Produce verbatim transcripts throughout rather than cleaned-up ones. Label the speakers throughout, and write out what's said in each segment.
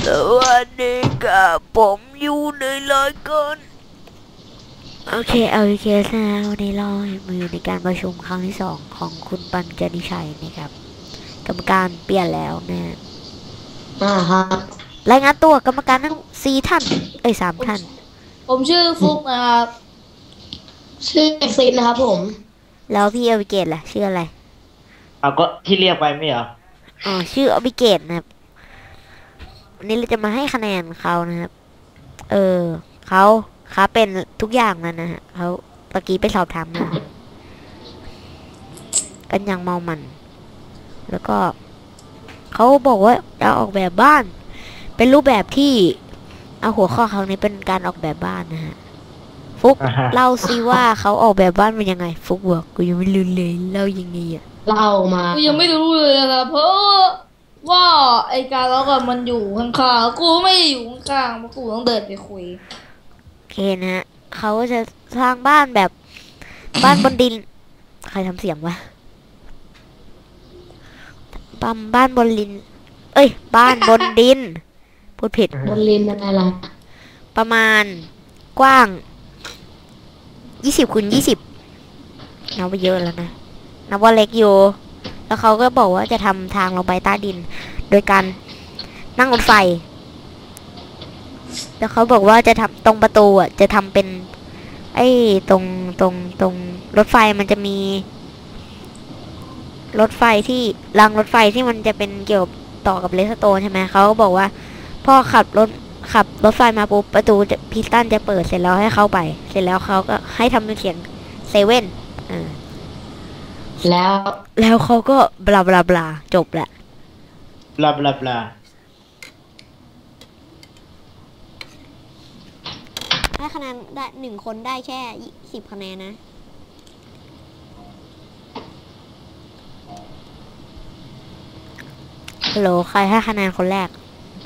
Speaker 1: สวัสดีครับผมอยู่ในรายการโอเคเอาโอเคนะวันนี้เรามือในการประชุมครั้งที่สองของคุณปัญจนิชัยนะครับกรรมการเปลี่ยนแล้วนะ
Speaker 2: อ่าครับ
Speaker 1: รายงานตัวกรรมการทั้งสี่ท่านเอ้ยสามท่าน
Speaker 3: ผมชื่อฟุกนะครับ
Speaker 2: ชื่อเอ็กซินนะครับผม
Speaker 1: แล้วพี่อบิเกตล่ะชื่ออะไร
Speaker 4: เอาก็ที่เรียกไปไม่เหรอ
Speaker 1: อ๋อชื่ออบิเกตนะครับวันนี้เราจะมาให้คะแนนเขานะครับเออเขาเขาเป็นทุกอย่างแล้วนะฮะเขาเมื่อกี้ไปสอบถามมากันอย่างเมามันแล้วก็เขาบอกว่าจะออกแบบบ้านเป็นรูปแบบที่เอาหัวข้อครั้งนี้เป็นการออกแบบบ้านนะฮะฟุกเล่าซิว่าเขาออกแบบบ้านเป็นยังไงฟุกบอกกูยังไม่รู้เลยเล่ายังไงอ่ะ
Speaker 2: เล่ามา
Speaker 3: กูยังไม่รู้เลยนะครับเพราะว่าไอการล็อกอะมันอยู่ข้างๆกูไม่อยู่ข้างๆเพราะกูต้องเดินไปคุย
Speaker 1: โอเคนะฮะเขาจะสร้างบ้านแบบบ้านบนดินใครทำเสียงวะปั๊มบ้านบนดินเอ้ยบ้านบนดินพูดผิด
Speaker 2: บนลินอะไรล่ะ
Speaker 1: ประมาณกว้างยี่สิบคูณยี่สิบนับว่าเยอะแล้วนะนับว่าเล็กอยู่แล้วเขาก็บอกว่าจะทำทางลงไปใต้ดินโดยการนั่งรถไฟแล้วเขาบอกว่าจะทำตรงประตูอ่ะจะทำเป็นไอ้ตรงตรงตรงรถไฟมันจะมีรถไฟที่รางรถไฟที่มันจะเป็นเกี่ยวต่อกับเลสโตนใช่ไหมเขาก็บอกว่าพ่อขับรถขับรถไฟมาปุ๊บประตูพิสตันจะเปิดเสร็จแล้วให้เข้าไปเสร็จแล้วเขาก็ให้ทำเป็นเสียงเซเว่นอ่า
Speaker 2: แล้ว
Speaker 1: แล้วเขาก็บลาบลาบลาจบแหละ
Speaker 4: บลาบลาบลา
Speaker 1: ให้คะแนนได้หนึ่งคนได้แค่สิบคะแนนนะฮัลโหลใครให้คะแนนคนแรก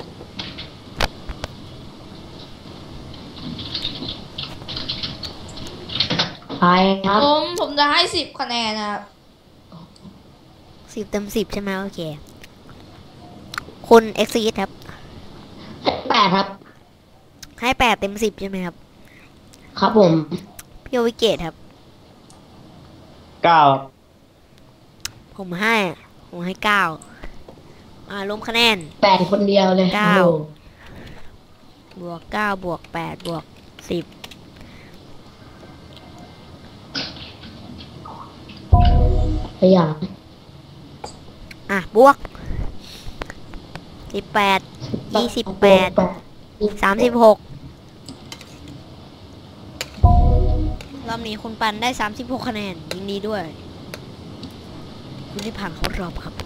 Speaker 2: ไปครับ
Speaker 3: ผมผมจะให้สิบคะแนนนะครับ
Speaker 1: สิบเต็มสิบใช่ไหมโอเคคุณเอ็กซ์ครับ
Speaker 2: แปดครับ
Speaker 1: ให้แปดเต็มสิบใช่ไหมครับ
Speaker 2: ครับผม
Speaker 1: พี่โอวิเกตครับ
Speaker 4: เก้า
Speaker 1: ผมให้ผมให้เก้าอ่ารวมคะแนน
Speaker 2: แปดคนเดียวเลย
Speaker 1: เก้าบวกเก้าบวกแปดบวกสิบ
Speaker 2: ไปอย่าง
Speaker 1: อ่ะบวกสิบแปดยี่สิบแปดสามสิบหกรอบนี้คุณปันได้สามสิบหกคะแนนยินดีด้วยคุณที่ผ่านเข้ารอบครับ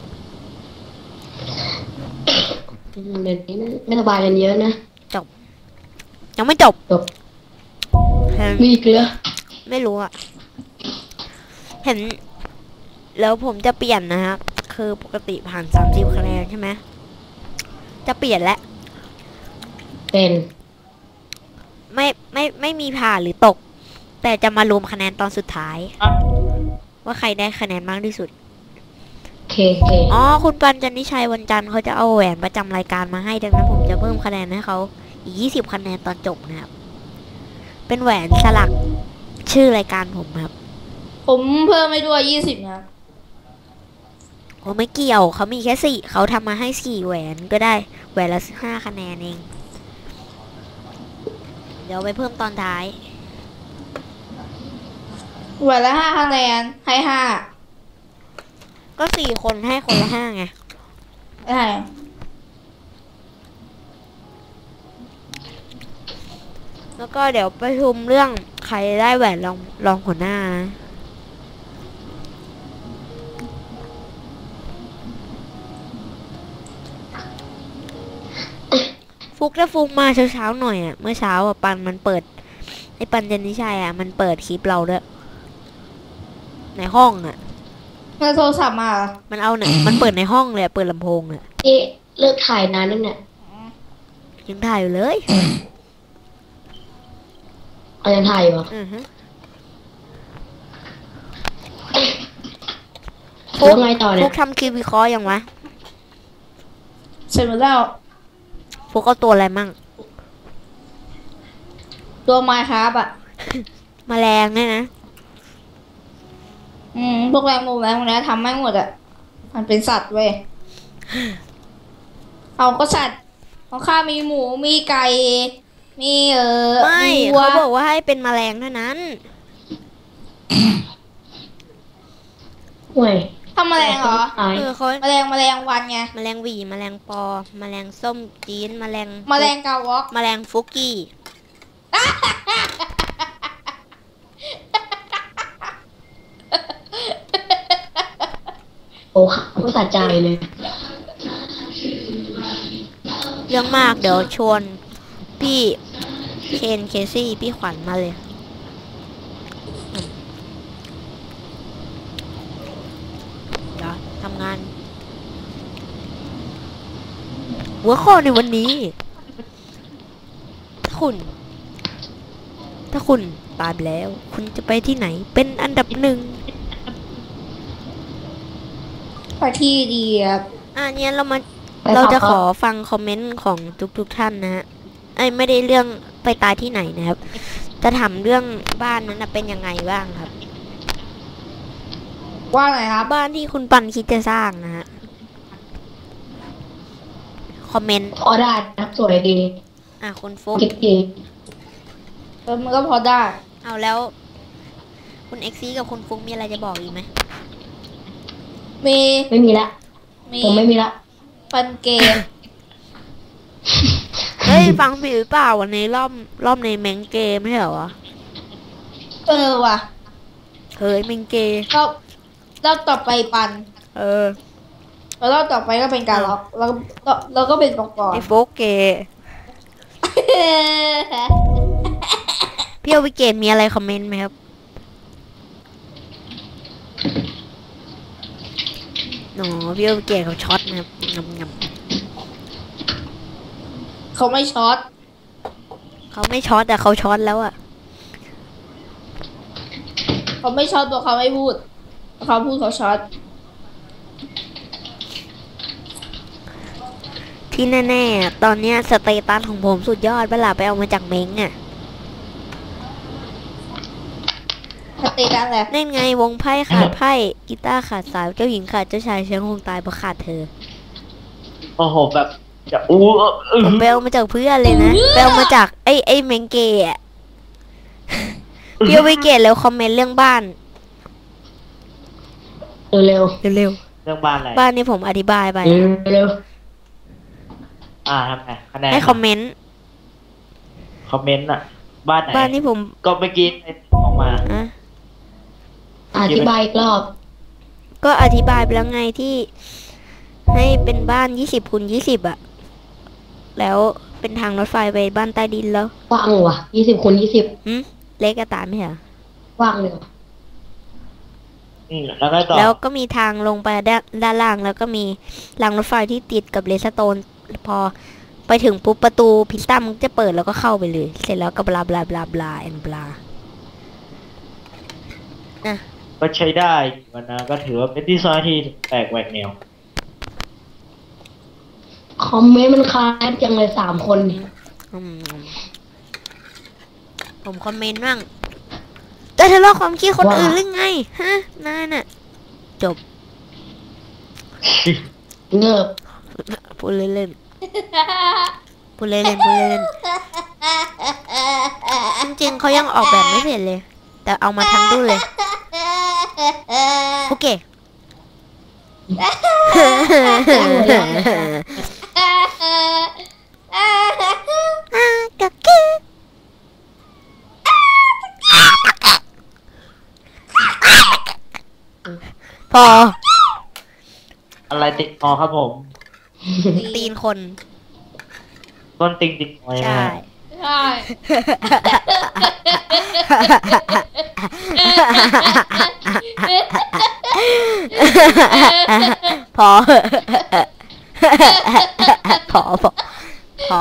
Speaker 2: เดี๋ยวนี้ไม่สบายกันเยอะนะ
Speaker 1: จบยังไม่จบ
Speaker 2: จบมีเกลือ
Speaker 1: ไม่รู้อะเห็นแล้วผมจะเปลี่ยนนะครับคือปกติผ่านสามสิบคะแนนใช่ไหมจะเปลี่ยนแล้ว
Speaker 2: เป็น
Speaker 1: ไม่ไม่ไม่มีผ่านหรือตกแต่จะมารวมคะแนนตอนสุดท้ายว่าใครได้คะแนนมากที่สุด
Speaker 2: เคเค
Speaker 1: อ๋อคุณปัญจนิชัยวันจันทร์เขาจะเอาแหวนประจำรายการมาให้ดังนั้นผมจะเพิ่มคะแนนให้เขาอีกยี่สิบคะแนนตอนจบนะครับเป็นแหวนสลักชื่อรายการผมครับ
Speaker 3: ผมเพิ่มให้ด้วยยี่สิบนะครับ
Speaker 1: โอ้ไม่เกี่ยวเขามีแค่สี่เขาทำมาให้สี่แหวนก็ได้แหวนละห้าคะแนนเองเดี๋ยวไปเพิ่มตอนท้าย
Speaker 3: แหวนละห้าคะแนนให้ห้า
Speaker 1: ก็สี่คนให้คนละห้าไง
Speaker 3: ใช่
Speaker 1: แล้วก็เดี๋ยวประชุมเรื่องใครได้แหวนรองรองหัวหน้านะฟุกถ้าฟุกมาเช้าๆหน่อยอ่ะเมื่อเช้าอ่ะปันมันเปิดไอ้ปันเจนนิชัยอ่ะมันเปิดคลิปเราด้วยในห้องอ่ะ
Speaker 3: มันโทรศัพท์มา
Speaker 1: มันเอาเนี่ยมันเปิดในห้องเลยเปิดลำโพงเนี่ย
Speaker 2: นี่เลิกถ่ายนานนึงเนี่ย
Speaker 1: ยังถ่ายอยู่เลย
Speaker 2: เอายังถ่ายอยู่
Speaker 1: อือฮะ
Speaker 2: ฟุกไงต่อเนี่ย
Speaker 1: ฟุกทำคลิปวิเคราะห์ยังวะ
Speaker 3: เสร็จหมดแล้ว
Speaker 1: ฟุกเอาตัวอะไรมั่ง
Speaker 3: ตัวไม้ครับอ่ะ
Speaker 1: แมลงเนี่ยนะ
Speaker 3: อืมพวกแรงมุมแรงมุมนี้ทำไม่หมดอ่ะมันเป็นสัตว์เว้ยเอาก็สัตว์ของข้ามีหมูมีไก่มีเออ
Speaker 1: ไม่
Speaker 3: วัว
Speaker 1: เขาบอกว่าให้เป็นแมลงเท่านั้น
Speaker 2: ห่วย
Speaker 3: ทำแมลงเหรอ
Speaker 2: ตาย
Speaker 1: เออเขา
Speaker 3: แมลงแมลงวันไง
Speaker 1: แมลงหวีแมลงปอ แมลงส้มจีนแมลง
Speaker 3: แมลงกาวอก
Speaker 1: แมลงฟุกกี้
Speaker 2: โอ้เขาสะใจเลย
Speaker 1: เรื่องมากเดี๋ยวชวนพี่เคนเคซี่พี่ขวัญมาเลยอืมเดี๋ยวทำงาน หัวข้อในวันนี้ ถ้าคุณ ถ้าคุณตายไปแล้ว คุณจะไปที่ไหน เป็นอันดับหนึ่ง
Speaker 3: ไปที่ดีครับ
Speaker 1: อ่ะเนี่ยเรามา
Speaker 2: ไป
Speaker 1: เราจะ
Speaker 2: ต่อ
Speaker 1: ข
Speaker 2: ครั
Speaker 1: อบ ฟังคอมเมนต์ของทุกๆท่านนะฮะไอ้ยไม่ได้เรื่องไปตายที่ไหนนะครับ จะถามเรื่องบ้านนั้นนะเป็นยังไงบ้างครับ
Speaker 3: ว่าไงครับ
Speaker 1: บ้านที่คุณปันคิดจะสร้างนะฮะ คอมเมนต์
Speaker 2: พอได้นะสวยดี
Speaker 1: อ่ะคุณฟุก
Speaker 2: คิดดี
Speaker 3: เออมันก็พอได้
Speaker 1: เอาแล้ว คุณเอ็กซี่กับคุณฟุกมีอะไรจะบอกอีกไหม
Speaker 3: มี
Speaker 2: ไม่มีละ
Speaker 3: มี
Speaker 2: ผมไม่มีละ
Speaker 3: ปันเกม
Speaker 1: เฮ้ย ฟังผิดหรือเปล่าวันนี้รอบรอบในแมงเกมไม่ใช่เหรอวะ
Speaker 3: เออว่ะ
Speaker 1: เฮ้ยแมงเกม
Speaker 3: รอบรอบต่อไปปัน
Speaker 1: เออ
Speaker 3: แล้วรอบต่อไปก็เป็นการล็อกแล้วแล้วแล้วก็เป็นปอกร
Speaker 1: ไอ้ฟุกเกย์พี่เอาวิเกตมีอะไรคอมเมนต์ไหมครับหนอพี่เอาวิเกตเขาช็อตนะครับงำง
Speaker 3: เขาไม่ช็อต
Speaker 1: ำเขาไม่ช็อตแต่เขาช็อตแล้วอะ
Speaker 3: เขาไม่ช็อตตัวเขาไม่พูดเขาพูดเขาช็อต
Speaker 1: ที่แน่ๆตอนเนี้ยสเตตัสของผมสุดยอดเวลาไปเอามาจากเม้งอะ
Speaker 3: สเตตัสแหละ
Speaker 1: นั่นไงวงไพ่ขาดไพ่กีตาร์ขาดสายเจ้าหญิงขาดเจ้าชายเชียงคงตายเพราะขาดเธอ
Speaker 4: โอ้โหแบบจะอู้เออเออ
Speaker 1: ผมไปเอามาจากเพื่อนเลยนะไปเอามาจากไอ้ไอ้เมงเกย์อะพี่เอาวิเกตแล้วคอมเมนต์เรื่องบ้าน
Speaker 2: เร็ว
Speaker 1: เร็ว
Speaker 4: เรื่องบ้านอะไร
Speaker 1: ๆบ้านนี้ผมอธิบายไป
Speaker 2: ๆเร็วเร็ว
Speaker 4: อ่าทำไงคะแนน
Speaker 1: ให้คอมเมนต์
Speaker 4: คอมเมนต์อ่ะ บ้านไหน
Speaker 1: บ้านที่ผม
Speaker 4: ก็เมื่อกี้ออกมา
Speaker 1: อะ
Speaker 2: อธิบายอีกรอบ
Speaker 1: ก็อธิบายไปแล้วไงที่ ให้เป็นบ้านยี่สิบคูณยี่สิบอะแล้วเป็นทางรถไฟไปบ้านใต้ดินแล้ว
Speaker 2: ว่างว่ะยี่สิบคูณยี่สิบ
Speaker 1: หืมเล็กกระตายไหมเหรอ
Speaker 2: ว่างเลยว่ะ
Speaker 4: อืมแล้วก็ต่อ
Speaker 1: แล้วก็มีทางลงไปด้านด้านล่าง แล้วก็มีรางรถไฟที่ติดกับเลสโตน พอไปถึงปุ๊บประตูพิซซ่ามันจะเปิดแล้วก็เข้าไปเลย เสร็จแล้วก็บลาบลาบลาบลาแอนบลา
Speaker 4: ก็ใช้ได้วันนะก็ถือว่าเป็นดีไซน์ที่แปลกแหวกแนว
Speaker 2: คอมเมนต์มันคล้ายจังเลยสามคนเนี่ย
Speaker 1: อืมผมคอมเมนต์บ้างแต่ทะเลาะความคิดคนอื่นหรือไง ฮะนายน่ะ จบ
Speaker 2: เงิบ
Speaker 1: พูดเล่นๆพูดเล่นๆพูดเล่นๆจริงๆเขายังออกแบบไม่เสร็จเลย แต่เอามาทั้งดุ้นเลย โอเค กักกี้พอ
Speaker 4: อะไรติดคอครับผม
Speaker 1: ตีนคน
Speaker 4: ต้นติงติดคอ
Speaker 1: ใช่
Speaker 3: ใช่
Speaker 1: พอ พอพอพอ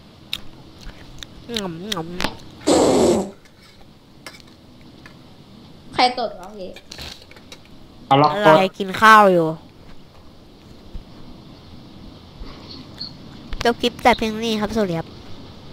Speaker 1: งำงำ
Speaker 3: รตดวะพี่
Speaker 4: เอาล็อก
Speaker 1: อะ
Speaker 4: ก
Speaker 1: ไร
Speaker 4: ด
Speaker 1: กินข้าวอยู่จบคลิปแต่เพียงนี้ครับสวัสดีครับ